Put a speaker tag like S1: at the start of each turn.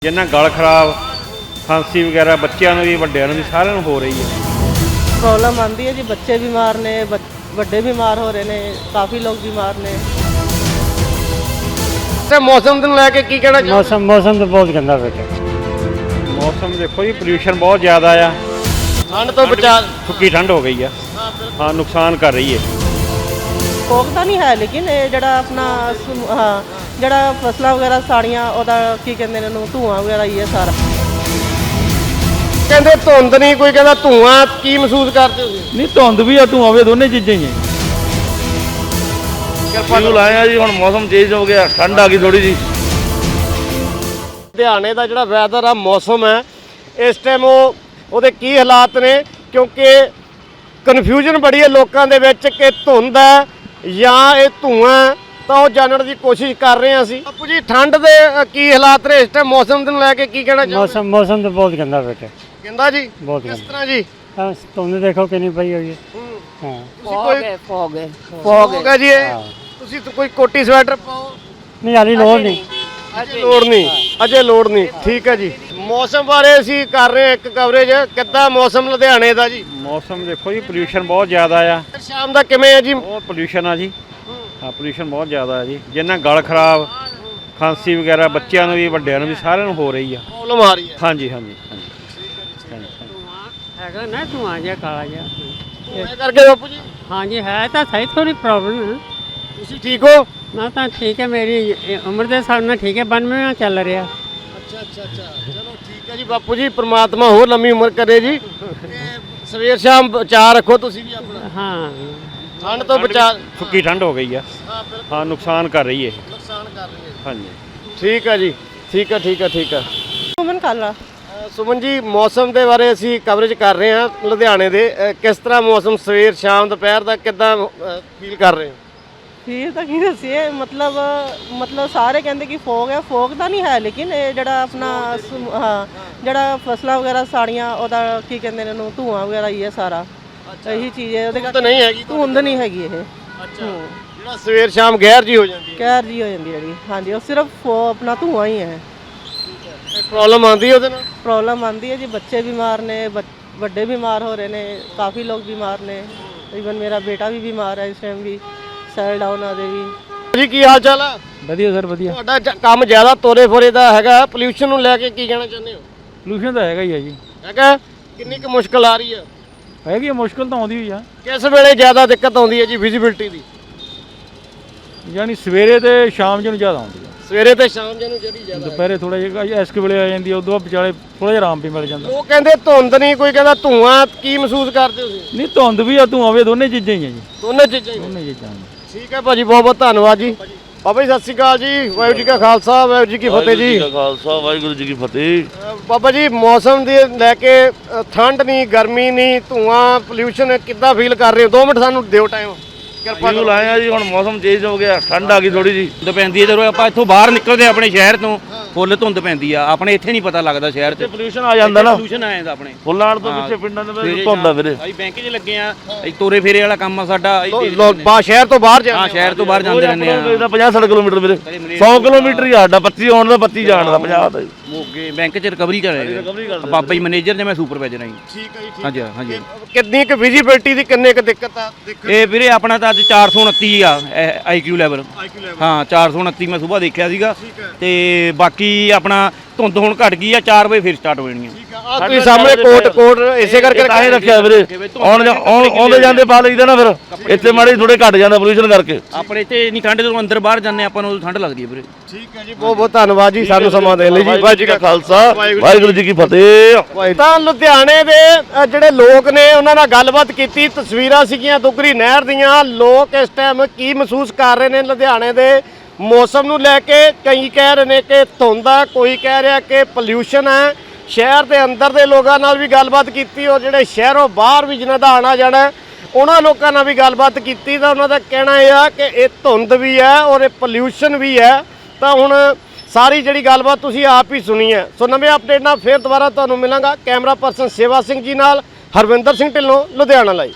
S1: ਜਿਨ੍ਹਾਂ ਗਲ ਖਰਾਬ ਖਾਂਸੀ ਵਗੈਰਾ ਬੱਚਿਆਂ ਨੂੰ ਵੀ ਵੱਡਿਆਂ ਨੂੰ ਵੀ ਸਾਰਿਆਂ ਨੂੰ ਹੋ ਰਹੀ ਹੈ।
S2: ਪ੍ਰੋਬਲਮ ਆਉਂਦੀ ਹੈ ਜੀ, ਬੱਚੇ ਬਿਮਾਰ ਨੇ, ਵੱਡੇ ਬਿਮਾਰ ਹੋ ਰਹੇ ਨੇ, ਕਾਫੀ ਲੋਕ ਬਿਮਾਰ ਨੇ।
S3: ਤੇ ਮੌਸਮ ਨੂੰ ਲੈ ਕੇ ਕੀ ਕਹਿਣਾ ਚਾਹੁੰਦੇ?
S4: मौसम तो बहुत गंदा बेटा।
S1: ਮੌਸਮ ਦੇਖੋ ਜੀ, ਪੋਲਿਊਸ਼ਨ ਬਹੁਤ ਜ਼ਿਆਦਾ ਆ।
S3: ਠੰਡ ਤੋਂ ਬਚਾ
S1: ਸੁੱਕੀ ਠੰਡ ਹੋ ਗਈ ਆ। ਹਾਂ, ਨੁਕਸਾਨ ਕਰ ਰਹੀ ਹੈ।
S2: ਫੋਕ ਤਾਂ ਨਹੀਂ ਹੈ, ਲੇਕਿਨ ਇਹ ਜਿਹੜਾ ਆਪਣਾ ਹਾਂ ਜਿਹੜਾ ਫਸਲਾਂ ਵਗੈਰਾ ਸਾੜੀਆਂ, ਉਹਦਾ ਕੀ ਕਹਿੰਦੇ ਨੇ ਇਹਨੂੰ, ਧੂਆਂ ਵਗੈਰਾ ਹੀ ਹੈ ਸਾਰਾ।
S3: ਕਹਿੰਦੇ ਧੁੰਦ ਨਹੀਂ, ਕੋਈ ਕਹਿੰਦਾ ਧੂਆਂ। ਕੀ ਮਹਿਸੂਸ ਕਰਦੇ ਹੋ?
S5: ਨਹੀਂ ਧੁੰਦ ਵੀ ਆ ਧੂਆਂ ਵੀ, ਦੋਨੇ ਚੀਜ਼ਾਂ ਹੀ ਆ।
S3: ਕਿਰਪਾ
S5: ਲਾਇਆ ਜੀ, ਹੁਣ ਮੌਸਮ ਚੇਂਜ ਹੋ ਗਿਆ, ਠੰਡ ਆ ਗਈ ਥੋੜੀ ਜੀ।
S3: ਲੁਧਿਆਣੇ ਦਾ ਜਿਹੜਾ ਵੈਦਰ ਆ, ਮੌਸਮ ਹੈ ਇਸ ਟਾਈਮ, ਉਹਦੇ ਕੀ ਹਾਲਾਤ ਨੇ? ਕਿਉਂਕਿ ਕਨਫਿਊਜ਼ਨ ਬੜੀ ਹੈ ਲੋਕਾਂ ਦੇ ਵਿੱਚ ਕਿ ਧੁੰਦ ਹੈ ਜਾਂ ਇਹ ਧੂਆਂ, ਤਾਂ ਉਹ ਜਾਣਨ ਦੀ ਕੋਸ਼ਿਸ਼ ਕਰ ਰਹੇ ਹਾਂ ਅਸੀਂ। ਬਾਪੂ ਜੀ, ਠੰਡ ਦੇ ਕੀ ਹਾਲਾਤ ਨੇ ਇਸ ਟਾਈਮ? ਮੌਸਮ ਨੂੰ ਲੈ ਕੇ ਕੀ ਕਹਿਣਾ ਚਾਹੁੰਦੇ?
S4: मौसम तो बहुत गंदा बेटा।
S3: ਕਹਿੰਦਾ ਜੀ
S4: ਬਹੁਤ
S3: ਕਿਸ ਤਰ੍ਹਾਂ ਜੀ?
S4: तुमने देखो कि नहीं पई होगी। हाँ
S3: ਫੋਗ ਹੈ ਜੀ ਇਹ। ਤੁਸੀਂ ਤਾਂ ਕੋਈ ਕੋਟੀ ਸਵੈਟਰ ਪਾਓ।
S4: नहीं हाली लोड़ नहीं।
S3: ਅਜੇ ਲੋੜ ਨਹੀਂ। ਠੀਕ ਹੈ ਜੀ। ਮੌਸਮ ਬਾਰੇ ਅਸੀਂ ਕਰ ਰਹੇ ਹਾਂ ਇੱਕ ਕਵਰੇਜ। ਕਿੱਦਾਂ ਮੌਸਮ ਲੁਧਿਆਣੇ ਦਾ ਜੀ?
S1: ਮੌਸਮ ਦੇਖੋ ਜੀ, ਪੋਲਿਊਸ਼ਨ ਬਹੁਤ ਜ਼ਿਆਦਾ ਆ।
S3: ਸ਼ਾਮ ਦਾ ਕਿਵੇਂ ਹੈ ਜੀ?
S1: ਬਹੁਤ ਪੋਲਿਊਸ਼ਨ ਆ ਜੀ। ਹਾਂ, ਪੋਲਿਊਸ਼ਨ ਬਹੁਤ ਜ਼ਿਆਦਾ ਆ ਜੀ। ਜਿਨ੍ਹਾਂ ਗਲ ਖਰਾਬ ਖਾਂਸੀ ਵਗੈਰਾ ਬੱਚਿਆਂ ਨੂੰ ਵੀ ਵੱਡਿਆਂ ਨੂੰ ਵੀ ਸਾਰਿਆਂ ਨੂੰ ਹੋ ਰਹੀ ਆ।
S3: ਪ੍ਰੋਬਲਮ ਆ ਰਹੀ ਹੈ।
S1: ਹਾਂਜੀ ਹਾਂਜੀ ਹਾਂਜੀ।
S6: ਹੈਗਾ ਨਾ ਧੂਆਂ ਜਿਹਾ ਕਾਲਾ ਜਿਹਾ।
S3: ਇਹ ਕਰਕੇ ਬਾਪੂ ਜੀ
S6: ਹਾਂਜੀ ਹੈ ਤਾਂ ਸਹੀ, ਥੋੜੀ ਪ੍ਰੋਬਲਮ ਹੈ।
S3: ਤੁਸੀਂ ਠੀਕ ਹੋ?
S6: ਮੈਂ ਤਾਂ ਠੀਕ ਹੈ, ਮੇਰੀ ਉਮਰ ਦੇ ਹਿਸਾਬ ਨਾਲ ਠੀਕ ਹੈ, 92ਵਾਂ ਚੱਲ ਰਿਹਾ।
S3: ਅੱਛਾ। ਚਲੋ ਠੀਕ ਹੈ ਜੀ ਬਾਪੂ ਜੀ, ਪ੍ਰਮਾਤਮਾ ਹੋਰ ਲੰਮੀ ਉਮਰ ਕਰੇ ਜੀ। ਸਵੇਰ ਸ਼ਾਮ ਬਚਾ ਰੱਖੋ ਤੁਸੀਂ ਵੀ ਆਪਣਾ।
S6: ਹਾਂ,
S3: ਠੰਡ ਤੋਂ ਬਚਾ।
S1: ਸੁੱਕੀ ਠੰਡ ਹੋ ਗਈ ਆ। ਹਾਂ, ਨੁਕਸਾਨ ਕਰ ਰਹੀ ਹੈ।
S3: ਨੁਕਸਾਨ ਕਰ ਰਹੀ ਹੈ।
S1: ਹਾਂਜੀ,
S3: ਠੀਕ ਹੈ ਜੀ। ਠੀਕ ਹੈ।
S2: ਸੁਮਨ ਕਾਲਾ।
S3: ਸੁਮਨ ਜੀ, ਮੌਸਮ ਦੇ ਬਾਰੇ ਅਸੀਂ ਕਵਰੇਜ ਕਰ ਰਹੇ ਹਾਂ ਲੁਧਿਆਣੇ ਦੇ। ਕਿਸ ਤਰ੍ਹਾਂ ਮੌਸਮ ਸਵੇਰ ਸ਼ਾਮ ਦੁਪਹਿਰ ਦਾ ਕਿੱਦਾਂ ਫੀਲ ਕਰ ਰਹੇ ਹੋ?
S2: ਫਿਰ ਤਾਂ ਕੀ ਦੱਸੀਏ, ਮਤਲਬ ਸਾਰੇ ਕਹਿੰਦੇ ਕਿ ਫੋਗ ਹੈ। ਫੋਗ ਤਾਂ ਨਹੀਂ ਹੈ, ਲੇਕਿਨ ਇਹ ਜਿਹੜਾ ਆਪਣਾ ਹਾਂ ਜਿਹੜਾ ਫਸਲਾਂ ਵਗੈਰਾ ਸਾੜੀਆਂ, ਉਹਦਾ ਕੀ ਕਹਿੰਦੇ ਨੇ ਇਹਨੂੰ, ਧੂਆਂ ਵਗੈਰਾ ਹੀ ਹੈ ਸਾਰਾ। ਇਹੀ ਚੀਜ਼ ਹੈ, ਉਹਦੇ
S3: ਤਾਂ ਨਹੀਂ ਹੈਗੀ।
S2: ਧੁੰਦ ਨਹੀਂ ਹੈਗੀ ਇਹ।
S3: ਜਿਹੜਾ ਸਵੇਰ ਸ਼ਾਮ ਗੈਰ ਜੀ ਹੋ ਜਾਂਦੀ ਹੈ।
S2: ਕਹਿਰ ਜੀ ਹੋ ਜਾਂਦੀ ਜਿਹੜੀ। ਹਾਂਜੀ, ਉਹ ਸਿਰਫ ਆਪਣਾ ਧੂਆਂ ਹੀ ਹੈ।
S3: ਪ੍ਰੋਬਲਮ ਆਉਂਦੀ ਹੈ ਉਹਦੇ ਨਾਲ?
S2: ਪ੍ਰੋਬਲਮ ਆਉਂਦੀ ਹੈ ਜੀ, ਬੱਚੇ ਬਿਮਾਰ ਨੇ, ਵੱਡੇ ਬਿਮਾਰ ਹੋ ਰਹੇ ਨੇ, ਕਾਫੀ ਲੋਕ ਬਿਮਾਰ ਨੇ। ਈਵਨ ਮੇਰਾ ਬੇਟਾ ਵੀ ਬਿਮਾਰ ਹੈ ਇਸ ਟਾਈਮ ਵੀ, ਸੈਲ ਡਾਊਨ ਆ ਦੇ ਵੀ।
S3: ਜੀ ਕੀ ਹਾਲ ਚਾਲ ਆ?
S5: ਵਧੀਆ ਸਰ, ਵਧੀਆ।
S3: ਤੁਹਾਡਾ ਕੰਮ ਜ਼ਿਆਦਾ ਤੋਰੇ ਫੋਰੇ ਦਾ ਹੈਗਾ, ਪੋਲਿਊਸ਼ਨ ਨੂੰ ਲੈ ਕੇ ਕੀ ਕਹਿਣਾ ਚਾਹੁੰਦੇ ਹੋ?
S5: ਪੋਲੂਸ਼ਨ ਤਾਂ ਹੈਗਾ ਹੀ ਆ ਜੀ।
S3: ਹੈਗਾ। ਕਿੰਨੀ ਕੁ ਮੁਸ਼ਕਲ ਆ ਰਹੀ ਹੈ?
S5: ਹੈਗੀ ਆ, ਮੁਸ਼ਕਲ ਤਾਂ ਆਉਂਦੀ ਹੋਈ ਆ।
S3: ਕਿਸ ਵੇਲੇ ਜ਼ਿਆਦਾ ਦਿੱਕਤ ਆਉਂਦੀ ਹੈ ਜੀ ਵਿਜ਼ਿਬਿਲਟੀ ਦੀ?
S5: ਯਾਨੀ ਸਵੇਰੇ ਤੇ ਸ਼ਾਮ ਨੂੰ ਜ਼ਿਆਦਾ ਆਉਂਦੀ ਆ।
S3: ਸਵੇਰੇ ਤੇ ਸ਼ਾਮ ਨੂੰ ਜਿਹੜੀ ਜ਼ਿਆਦਾ
S5: ਦੁਪਹਿਰੇ ਥੋੜਾ ਜਿਹਾ ਇਸ ਵੇਲੇ ਆ ਜਾਂਦੀ ਆ, ਉਦੋਂ ਬਾਅਦ ਵਿਚਾਲੇ ਥੋੜਾ ਜਿਹਾ ਆਰਾਮ ਵੀ ਮਿਲ ਜਾਂਦਾ।
S3: ਲੋਕ ਕਹਿੰਦੇ ਧੁੰਦ ਨਹੀਂ, ਕੋਈ ਕਹਿੰਦਾ ਧੂਆਂ। ਕੀ ਮਹਿਸੂਸ ਕਰਦੇ ਹੋ ਤੁਸੀਂ?
S5: ਨਹੀਂ ਧੁੰਦ ਵੀ ਆ ਧੂਆਂ ਵੀ, ਦੋਨੇ ਚੀਜ਼ਾਂ ਹੀ ਆ ਜੀ।
S3: ਦੋਨੇ ਚੀਜ਼ਾਂ ਹੀ?
S5: ਦੋਨੇ ਚੀਜ਼ਾਂ।
S3: ਠੀਕ ਹੈ ਭਾਜੀ, ਬਹੁਤ ਧੰਨਵਾਦ ਜੀ। ਬਾਬਾ ਜੀ ਸਤਿ ਸ਼੍ਰੀ ਅਕਾਲ ਜੀ। ਵਾਹਿਗੁਰੂ ਜੀ ਕਾ ਖਾਲਸਾ, ਵਾਹਿਗੁਰੂ ਜੀ ਕੀ ਫਤਿਹ ਜੀ।
S5: ਖਾਲਸਾ, ਵਾਹਿਗੁਰੂ ਜੀ ਕੀ ਫਤਿਹ।
S3: ਬਾਬਾ ਜੀ, ਮੌਸਮ ਦੇ ਲੈ ਕੇ ਠੰਡ ਨਹੀਂ, ਗਰਮੀ ਨਹੀਂ, ਧੂਆਂ, ਪੋਲਿਊਸ਼ਨ ਕਿੱਦਾਂ ਫੀਲ ਕਰ ਰਹੇ ਹੋ? 2 ਮਿੰਟ ਸਾਨੂੰ ਦਿਓ ਟਾਈਮ। ਕਿਰਪਾ ਕਰੋ।
S5: ਲਾਇਆ ਜੀ, ਹੁਣ ਮੌਸਮ ਚੇਂਜ ਹੋ ਗਿਆ, ਠੰਡ ਆ ਗਈ ਥੋੜੀ ਜੀ।
S7: ਧੁੰਦ ਪੈਂਦੀ ਹੈ ਜਦੋਂ ਆਪਾਂ ਇੱਥੋਂ ਬਾਹਰ ਨਿਕਲਦੇ ਆਪਣੇ ਸ਼ਹਿਰ ਤੋਂ, ਫੁੱਲ ਧੁੰਦ ਪੈਂਦੀ ਆ। ਆਪਣੇ ਇੱਥੇ ਨਹੀਂ ਪਤਾ ਲੱਗਦਾ ਸ਼ਹਿਰ 'ਚ
S5: ਪੋਲੂਸ਼ਨ ਆ ਜਾਂਦਾ ਨਾ,
S7: ਪੋਲੂਸ਼ਨ ਆ ਜਾਂਦਾ ਆਪਣੇ
S5: ਫੁੱਲਾਣ ਤੋਂ ਪਿੱਛੇ ਪਿੰਡਾਂ ਦੇ ਵਿੱਚ ਧੁੰਦ ਆ ਵੀਰੇ।
S7: ਅਸੀਂ ਬੈਂਕ 'ਚ ਲੱਗੇ ਆ, ਅਸੀਂ ਤੋਰੇ ਫੇਰੇ ਵਾਲਾ ਕੰਮ ਆ ਸਾਡਾ।
S3: ਸ਼ਹਿਰ ਤੋਂ ਬਾਹਰ
S7: ਹਾਂ, ਸ਼ਹਿਰ ਤੋਂ ਬਾਹਰ ਜਾਂਦੇ ਰਹਿੰਦੇ ਆ।
S5: 50-60 ਕਿਲੋਮੀਟਰ ਵੀਰੇ, 100 ਕਿਲੋਮੀਟਰ ਹੀ ਸਾਡਾ, 25 ਆਉਣ ਦਾ 25 ਜਾਣ ਦਾ, 50 ਦਾ।
S7: ਮੋਗੇ ਬੈਂਕ 'ਚ ਰਿਕਵਰੀ ਕਰ ਰਹੇ ਬਾਬਾ ਜੀ ਮੈਨੇਜਰ ਨੇ, ਮੈਂ ਸੁਪਰਵਾਈਜ਼ਰ ਹਾਂ ਜੀ।
S3: ਠੀਕ ਹੈ ਜੀ।
S7: ਹਾਂਜੀ।
S3: ਕਿੰਨੀ ਕੁ ਵਿਜ਼ਿਬਿਲਟੀ ਦੀ ਕਿੰਨੇ ਕੁ ਦਿੱਕਤ ਆ?
S7: ਇਹ ਵੀਰੇ ਆਪਣਾ ਤਾਂ ਅੱਜ 429 ਆ IQ ਲੈਵਲ। ਹਾਂ, 429 ਮੈਂ ਸਵੇਰ ਦੇਖਿਆ ਸੀਗਾ। ਤੇ ਬਾਕੀ ਆਪਣਾ ਧੁੰਦ ਹੁਣ ਘਟ ਗਈ ਆ, 4 ਵਜੇ ਫਿਰ ਸਟਾਰਟ ਹੋ ਜਾਣੀ ਆ।
S3: ਤੁਸੀਂ ਸਾਹਮਣੇ ਕੋਟ ਇਸੇ ਕਰਕੇ
S5: ਤਾਂ ਹੀ ਰੱਖਿਆ ਵੀਰੇ। ਆਉਂਦੇ ਜਾਂਦੇ ਪਾ ਲਈਦਾ ਨਾ, ਫਿਰ ਇੱਥੇ ਮਾੜੇ ਥੋੜੇ ਘਟ ਜਾਂਦਾ ਪੋਲੂਸ਼ਨ ਕਰਕੇ।
S7: ਆਪਣੇ ਇੱਥੇ ਇੰਨੀ ਠੰਡ, ਜਦੋਂ ਅੰਦਰ ਬਾਹਰ ਜਾਂਦੇ ਆਪਾਂ ਨੂੰ ਠੰਡ ਲੱਗਦੀ ਹੈ ਵੀਰੇ।
S3: ਠੀਕ ਹੈ ਜੀ, ਬਹੁਤ ਧੰਨਵਾਦ ਜੀ ਸਾਨੂੰ ਸਮਾਂ ਦੇਣ ਲਈ ਜੀ। ਵਾਹਿਗੁਰੂ ਜੀ ਕਾ
S5: ਖਾਲਸਾ, ਵਾਹਿਗੁਰੂ ਜੀ ਕੀ ਫਤਿਹ।
S3: ਤਾਂ ਲੁਧਿਆਣੇ ਦੇ ਜਿਹੜੇ ਲੋਕ ਨੇ ਉਹਨਾਂ ਨਾਲ ਗੱਲਬਾਤ ਕੀਤੀ। ਤਸਵੀਰਾਂ ਸੀਗੀਆਂ ਦੁਗਰੀ ਨਹਿਰ ਦੀਆਂ। ਲੋਕ ਇਸ ਟਾਈਮ ਕੀ ਮਹਿਸੂਸ ਕਰ ਰਹੇ ਨੇ ਲੁਧਿਆਣੇ ਦੇ ਮੌਸਮ ਨੂੰ ਲੈ ਕੇ? ਕਈ ਕਹਿ ਰਹੇ ਨੇ ਕਿ ਧੁੰਦ ਆ, ਕੋਈ ਕਹਿ ਰਿਹਾ ਕਿ ਪੋਲਿਊਸ਼ਨ ਹੈ। ਸ਼ਹਿਰ ਦੇ ਅੰਦਰ ਦੇ ਲੋਕਾਂ ਨਾਲ ਵੀ ਗੱਲਬਾਤ ਕੀਤੀ, ਔਰ ਜਿਹੜੇ ਸ਼ਹਿਰੋਂ ਬਾਹਰ ਵੀ ਜਿਨ੍ਹਾਂ ਦਾ ਆਣਾ ਜਾਣਾ, ਉਹਨਾਂ ਲੋਕਾਂ ਨਾਲ ਵੀ ਗੱਲਬਾਤ ਕੀਤੀ। ਤਾਂ ਉਹਨਾਂ ਦਾ ਕਹਿਣਾ ਇਹ ਆ ਕਿ ਇਹ ਧੁੰਦ ਵੀ ਹੈ ਔਰ ਇਹ ਪੋਲਿਊਸ਼ਨ ਵੀ ਹੈ। ਤਾਂ ਹੁਣ ਸਾਰੀ ਜਿਹੜੀ ਗੱਲਬਾਤ ਤੁਸੀਂ ਆਪ ਹੀ ਸੁਣੀ ਹੈ। ਸੋ ਨਵੇਂ ਅਪਡੇਟ ਨਾਲ ਫਿਰ ਦੁਬਾਰਾ ਤੁਹਾਨੂੰ ਮਿਲਾਂਗਾ। ਕੈਮਰਾ ਪਰਸਨ ਸੇਵਾ ਸਿੰਘ ਜੀ ਨਾਲ ਹਰਵਿੰਦਰ ਸਿੰਘ ਢਿੱਲੋਂ, ਲੁਧਿਆਣਾ ਲਈ।